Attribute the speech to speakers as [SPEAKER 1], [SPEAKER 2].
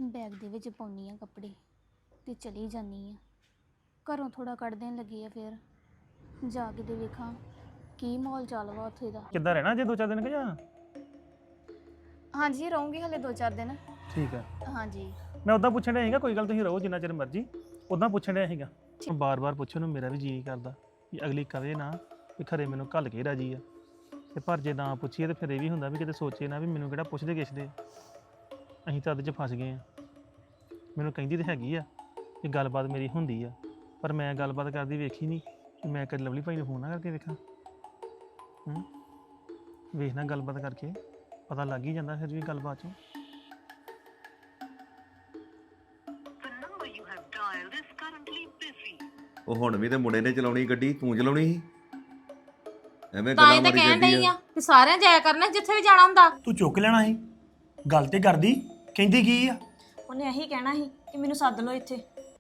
[SPEAKER 1] Bag ਦੇ ਵਿੱਚ ਪਾਉਣੀ ਆ ਕੱਪੜੇ ਤੇ ਚਲੀ ਜਾਨੀ ਆ। ਘਰੋਂ ਥੋੜਾ ਕੱਢ ਦੇਣ ਲੱਗੀ ਆ, ਫਿਰ ਜਾ ਕੇ ਤੇ ਵੇਖਾਂ ਕੀ ਮਾਹੌਲ ਚੱਲ ਵਾ ਉੱਥੇ ਦਾ।
[SPEAKER 2] ਕਿੱਦਾਂ ਰਹਿਣਾ ਜੇ 2-4 ਦਿਨ ਕਿ ਜਾਂ?
[SPEAKER 1] ਹਾਂਜੀ ਰਹੂੰਗੀ ਹਲੇ 2-4 ਦਿਨ।
[SPEAKER 2] ਠੀਕ ਆ।
[SPEAKER 1] ਹਾਂਜੀ
[SPEAKER 2] ਮੈਂ ਉਦਾਂ ਪੁੱਛਣ ਡਿਆ ਸੀਗਾ, ਕੋਈ ਗੱਲ ਤੁਸੀਂ ਰਹੋ ਜਿੰਨਾ ਚਿਰ ਮਰਜ਼ੀ। ਉਦਾਂ ਪੁੱਛਣ ਡਿਆ ਸੀਗਾ, ਬਾਰ-ਬਾਰ ਪੁੱਛਣ ਨੂੰ ਮੇਰਾ ਵੀ ਜੀ ਕਰਦਾ ਕਿ ਅਗਲੀ ਕਵੇ ਨਾ ਵੀ ਖਰੇ ਮੈਨੂੰ ਘੱਲ ਕੇ ਰਾਜੀ ਆ, ਤੇ ਪਰ ਜੇ ਨਾ ਪੁੱਛੀਏ ਤੇ ਫਿਰ ਇਹ ਵੀ ਹੁੰਦਾ ਵੀ ਕਿਤੇ ਸੋਚੇ ਨਾ ਵੀ ਮੈਨੂੰ ਕਿਹੜਾ ਪੁੱਛਦੇ ਕਿਛਦੇ। ਅਸੀਂ ਤਾਂ ਅੱਧ 'ਚ ਫਸ ਗਏ ਆ। ਮੈਨੂੰ ਕਹਿੰਦੀ ਤੇ ਹੈਗੀ ਆ ਕਿ ਗੱਲਬਾਤ ਮੇਰੀ ਹੁੰਦੀ ਆ, ਪਰ ਮੈਂ ਗੱਲਬਾਤ ਕਰਦੀ ਵੇਖੀ ਨਹੀਂ ਕਿ ਮੈਂ ਕਦੇ ਲਵਲੀ ਭਾਈ ਨੂੰ ਫੋਨ ਨਾ ਕਰਕੇ ਵੇਖਾਂ। ਵੇਖਣਾ ਗੱਲਬਾਤ ਕਰਕੇ ਪਤਾ ਲੱਗ ਹੀ ਜਾਂਦਾ ਫਿਰ ਵੀ ਗੱਲਬਾਤ 'ਚੋਂ।
[SPEAKER 3] ਉਹ ਹੁਣ ਵੀ ਤੇ ਮੁੰਡੇ ਨੇ ਚਲਾਉਣੀ ਗੱਡੀ, ਤੂੰ ਚਲਾਉਣੀ ਸੀ। ਐਵੇਂ
[SPEAKER 4] ਤਾਂ
[SPEAKER 3] ਗੱਲਾਂ
[SPEAKER 4] ਇਹ ਤਾਂ
[SPEAKER 3] ਮਾਰੀ
[SPEAKER 4] ਕਹਿਣ
[SPEAKER 3] ਜਾਂਦੀ
[SPEAKER 4] ਡਈ
[SPEAKER 3] ਆ।
[SPEAKER 4] ਆ ਕਿ ਸਾਰਿਆਂ ਜਾਇਆ ਕਰਨਾ ਜਿੱਥੇ ਵੀ ਜਾਣਾ ਹੁੰਦਾ।
[SPEAKER 5] ਤੂੰ ਚੁੱਕ ਲੈਣਾ ਸੀ, ਗੱਲ ਤੇ ਕਰਦੀ। ਕਹਿੰਦੀ ਕੀ ਆ?
[SPEAKER 6] ਉਹਨੇ ਇਹੀ ਕਹਿਣਾ ਸੀ ਕਿ ਮੈਨੂੰ ਸੱਦ ਲਓ ਇੱਥੇ।